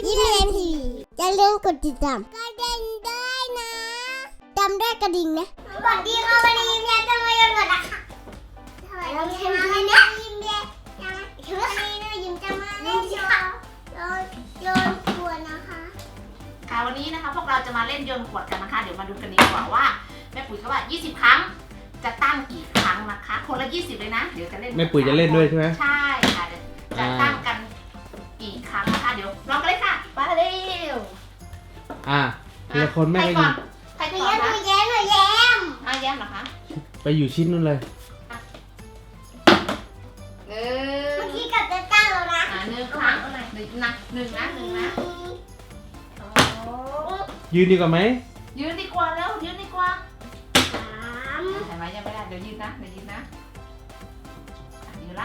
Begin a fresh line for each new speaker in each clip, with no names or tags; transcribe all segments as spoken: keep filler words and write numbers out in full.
ยิ้มเรียนทีอย่าลืมกดติดตามกระดิ่งด้วยนะจำได้กระดิ่งนะสวัสดีค่ะวันนี้ยิ้มแย้มจะมาโยนก่อนนะคะสวัสดีค่ะวันนี้ยิ้มแย้มวันนี้นะยิ้มจะมาเล่นโยนโยนขวดนะคะ
ค่ะวันนี้นะคะพวกเราจะมาเล่นโยนขวดกันนะคะเดี๋ยวมาดูกันดีกว่าว่าแม่ปุ๋ยเขาว่ายี่สิบครั้งจะตั้งกี่ครั้งนะคะคนละยี่สิบเลยนะเดี๋ยวจะเล่น
แม่ปุ๋ยจะเล่นด้วยใช่ไหม
ใช่ค่ะเดี๋ยวจะตั้งกันกี่ครั้งนะคะเดี๋ยวลองกันเลยค่ะไปเร็ว
อ่ะทีละคนแม่ก็ยิง
ใครก่อน
หนูแย้มหนูแย้ม
อ่ะแย้มเหรอคะ
ไปอยู่ชิ้นนู้นเลย
หนึ่ง
เมื่อกี้กับจะตั้งแล้วนะ
อ่ะหนึ่งครั้งหนึ่งนะหนึ่งนะหนึ่งนะ
ยืนดีกว่าไหม
ยืนดีกว่าแล้วยืนดีกว่า
สาม
เห็นไหมยังไม่ได้เดี๋ยวยืนนะเดี๋ยวยืนนะยืนละ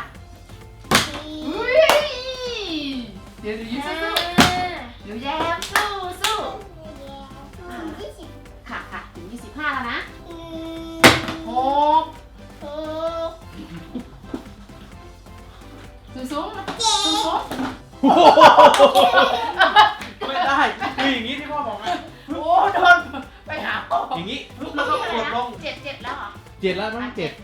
เดี๋ยวยืนสู้ๆเดี๋ยวแย้มสู้สู้ค่ะค่ะถึงยี่สิบห้าแล้วนะหกสูงสูงสูงสูง
ไม่ได้คืออย่างนี้ที่พ่อบอกไง
โอ้โดนไปหาพ่อ
อย่างนี้แล้วก็กดลง
เจ็ดเจ็ดแล้วเหรอ
เจ็ดแล้วต้องเจ็ด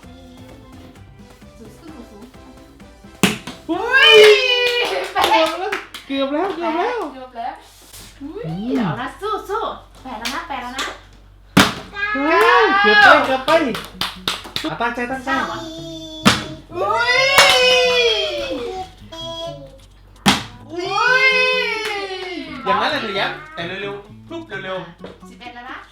อุ้ยแปด
เกือบแล้วเกือบแล้ว
เกือบแล้วอุ้ยเดี๋ยวนะสู้สู้แปดแล้วนะแปดแล้วนะ
เกือบไปเกือบไปตั้งใจตั้งใจ
อุ้ยอุ้ย
อย่างนั้นเลยหนูแย้มแต่เร็วๆปุ๊บเร็ว
ๆสิบเอ็ดแล้วนะ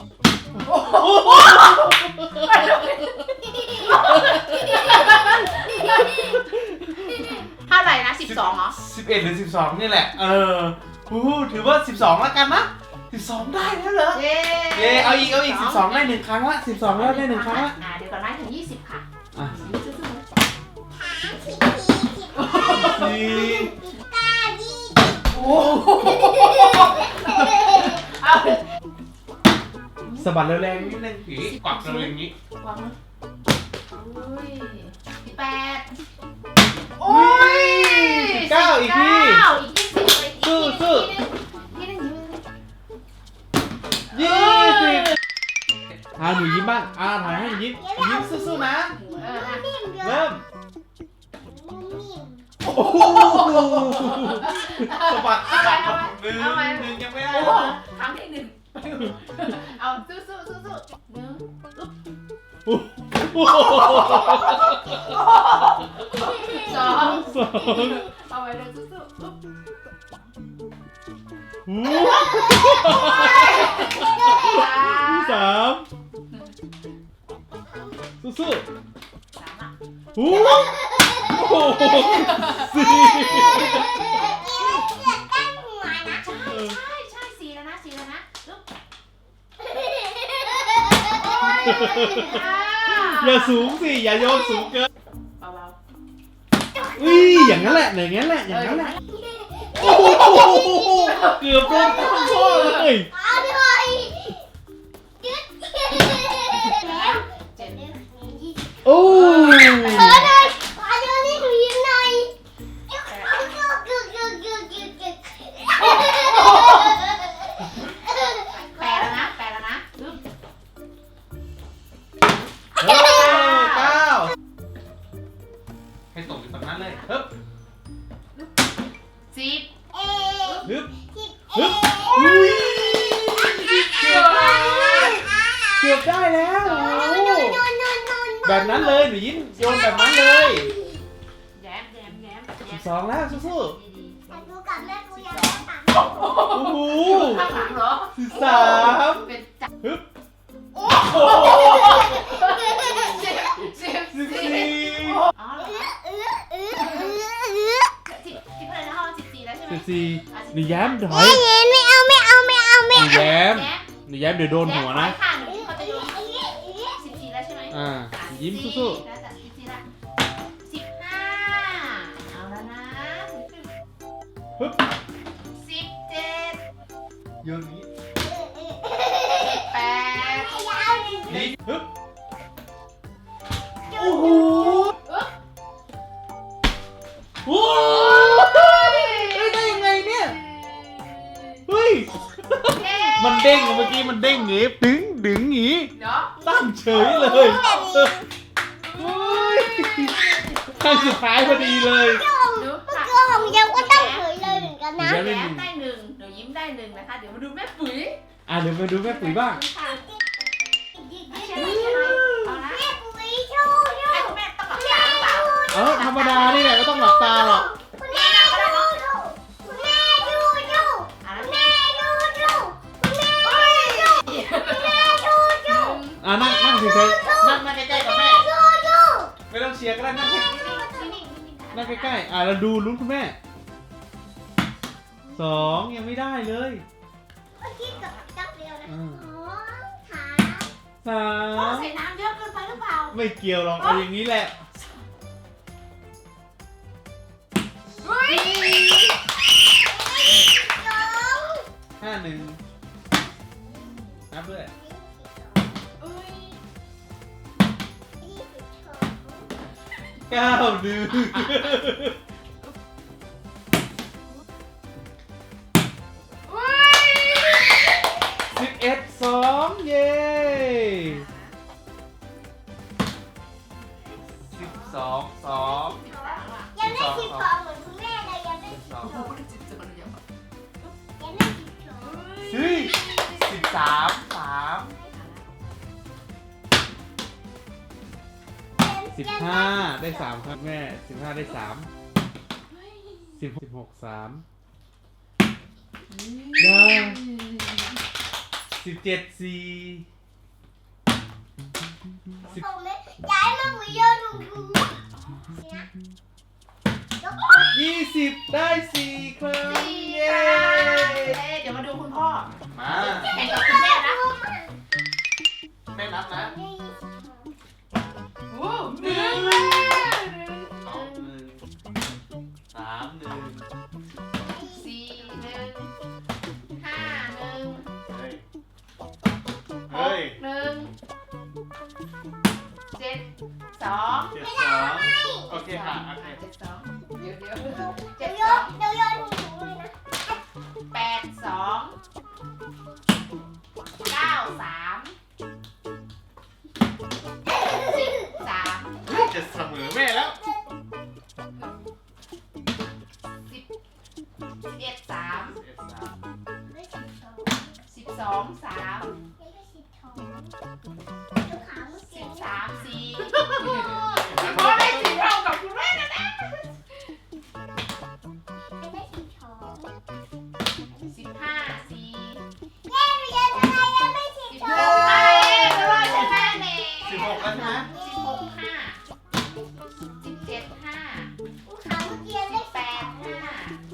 เท่าไหร่นะสิบสองเหรอ
สิบเอ็ดหรือสิบสองนี่แหละเออฮู้ถือว่าสิบสองแล้วกันนะสิบสองได้แล้วเหรอเย้เย้เอาอีกเอาอีกสิบสองได้หนึ่งครั้งละสิบสองแล้วได้หนึ่งครั้งละ
อ่าเดี๋ยวก่อนนะถึงยี่สิบค่ะ
อ่ะ
สี่เก้ายี่
โอ้เอา
สะบัดแรงๆนิดนึงผีกวักเลยอย่างนี้
กวักอุ้ยสิบแปดโอ้ย
สิบเก้าอีกที
สู้
สู้ยี่สิบอ่าหนูยิ้มบ้างอ่าถ่ายให้หนูยิ้มยิ้มสู้ๆนะเริ่มโอ้โหสะบัดสะบัดหนึ่งหนึ่งยังไม่ได้
ครั้งที่หนึ่งเอาสู้สู้สู้สู้หนึ่งสอง
สอง
เอาไว้เลยสู้สู้
สามสู้
ๆสามอ่ะ
โอ้โหสี่
ใช่ใช่สี่แล้วนะสี่แล้วนะ
อย่าสูงสิอย่าโยนสูงเกิน
เบา
ๆอุ้ยอย่างนั้นแหละอย่างนั้นแหละอย่างนั้นแหละโอ้โหเกือบโดนพ่อเลยโอ้ย
ขอหน่อยขอเดี๋ยวนี้หนูยิ้มหน่อย
แปดแล้วนะแปดแล้วนะ
เก้าให้ตกอยู่ตรงนั้นเลยฮึบ
สิบ
ฮึบฮึบอุ้ยเกือบได้เกือบได้แล้วแบบนั้นเลยหนูยิ้มโยนแบบนั้นเลย
แย้มแย้มแย้ม
สิบสองแล้วสู้ๆโอ้โห
ข้างหลังเหรอ
สิบสามฮึบโอ้โห
สิบสิบ
สิบสี่
อ๋อสิบสิบอะไรนะสิบสี่แล้วใช่ไหม
สิบสี่หนูแย้มถอย
ไม่เอาไม่เอาไม่เอาไม่
หนูแย้มหนูแย้มเดี๋ยวโดนหัวนะ
ค่ะหนูเขาจะโยนสิบสี่แล้วใช่ไหม
อ่ายิ้มสู้ๆ
สิบสี่ละสิบห้าเอาแล้วนะ
ฮึบ
สิบเจ็ด
โยนนี้
แปด
นี่ฮึบโอ้โหโอ้โหได้ยังไงเนี่ยมันเด้งเมื่อกี้มันเด้งงี้ดึงดึงงี้
เดี๋ยว
ตั้งเฉยเลยโอ้ยขั้นสุดท้ายพอดีเลย
ดู
เมื่อกี้ของยังก็ตั้งเฉยเลยเหมือนกันนะ
เดี๋ยว
แย้มได้หนึ่งเดี๋ยวยิ้มได้หนึ่งนะคะ เดี๋ยวมาดูแม่ปุ๋ย
อ่ะเดี๋ยวมาดูแม่ปุ๋ยบ้าง
ค่ะไม่ใช่ไม่ใช่เอานะ
แม่ปุ๋ยชูชู
ให้คุณแม่ต้องหลับตาหรือเปล่า
เออธรรมดานี่แหละไม่ต้องหลับตาหรอก
คุณแม่ชูชูคุณแม่ชูชู
อ่ะแล้ว
แม่ชูชูคุณแม่ชูคุณแม่ชูชู
อ่ะนั่งนั่งเฉยๆนั่งนั่งใกล้ๆกับแม่
ชูชู
ไม่ต้องเชียร์ก็ได้นั่งใกล้
นิ่งๆนิ่งๆ
นั่งใกล้ๆอ่ะเราดูลุ้นคุณแม่สองยังไม่ได้เลย
เมื่อกี้กับจับเร็วนะ
อ่า
สองขา
สา
พ่อ
ม
ใส่น้ำเยอะเกินไปหรือเปล่า
ไม่เกี่ยวหรอกเอาอย่างนี้แหละ
เฮ้ย
สอง
ห้าหนึ่งนับด้วย
เอ้ย
ยี่สิบสอง
เก้าหนึ่ง
เฮ้ย
สิบเอ็ดสองเย้สิบสองสอง
ยังได้สิบสองเหมือนคุณแม่เลยยังได้
สิบ
สิบ
สอง
สอง
จิบจนเดียว
ยังได้สิบสอง
เฮ้ยสิบสามสามสิบห้าได้สามครับแม่สิบห้าได้สามสิบหกสามได้สิบเจ็ดสี่สิบ
ผมเลยย้ายมาหุยโยนถุงถุงนะยก
ยี่สิบได้สี่ครับ
สี่
เย้
ค่ะเดี๋ยวมาดูคุณพ่อ
มา
แข่งกับคุณแม่นะ
แม่นับนะ
โอ้หนึ่ง
สองหนึ่งสามหนึ่ง
สี่หนึ่งห้าหนึ่ง
เฮ้ย
ห
เฮ้ย
กหนึ่งเจ็ดสอง
เจ็ดสองโอเคค่ะโอเค
เจ็ดสองเดี๋ยวเดี๋ยว
เดี๋
เจ็
ย
ด
วโย
สอน ง
เดี๋ยวโยนถุงถุงเลยนะ
แปดสองเก้าสามสิบสาม
จะเสมอแม่แล้ว
สิบสิบเอ็ดสาม
เจ็ดสาม
ได้สิบสอง
สิบสองสาม
ยังได้สิบสองยกขาเมื่อ
สิ
กี้
บสามสี่พอได้สี่เท่ากับคุณแม่นะนะ
ยังได้สิบสอง
สิบห้าสี่
แย่หนูยังทำไมยังไม่สิบ
สิบ
ส
ห
อก ง
ไอ้ก็รอดใช่ไหมเนี่ย
สิบหกแล้วใช่ไหม
สิบหกห้าสิบเจ็ดห้า
ขาเมื่อกี้ยังได้
แปดห้า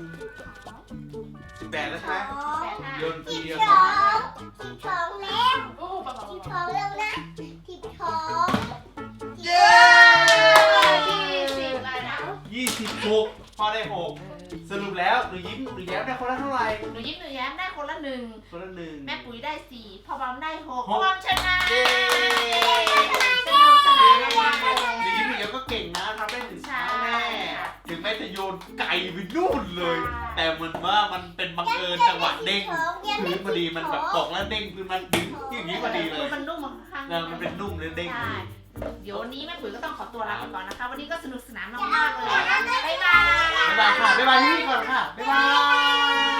สิบแปดแล้วใช่ไหม
แปดห้า
โยนที
สิบ
เดียว
ส
สอง
องสิบสองแล้ว
โอ้ปะปะ
สิบ
ปะ
สองแล้วนะสิบสอง
เย้
ยี่สิบอะไรนะ
ยี่สิบหกพอได้หกสรุปแล้วหนูยิ้มหนูแย้มได้คนละเท่าไหร่
หนูยิ้มหนูแย้มได้คนละหนึ่ง
คนละหนึ่ง
แม่ปุ๋ยได้สี่พ่อบอมได้หก
หก
พ่อบอมชนะ
เย้
สนุกสนานมาก
หนูยิ้มหนูแย้มก็เก่งนะทำได้ถึงเช้าแม่ถึงแม้จะโยนไก่ไปนู่นเลย แต่เหมือนว่ามันเป็นบังเอิญจังหวะเด้งพื้นพอดีมันแบบตกแล้วเด้งพื้นมันดึงอย่างนี้พอดีเลย
มันนุ่มข้าง
เออมันเป็นนุ่มเลยเด้ง
ใช่
พื้น
เดี๋ยววันนี้แม่ปุ๋ยก็ต้องขอตัวลาไปก่อนนะคะ วันนี้ก็สนุกสนานมากๆเลย บ๊ายบาย
บ๊ายบายค่ะบ๊ายบายที่นี่ก่อนค่ะบ๊ายบาย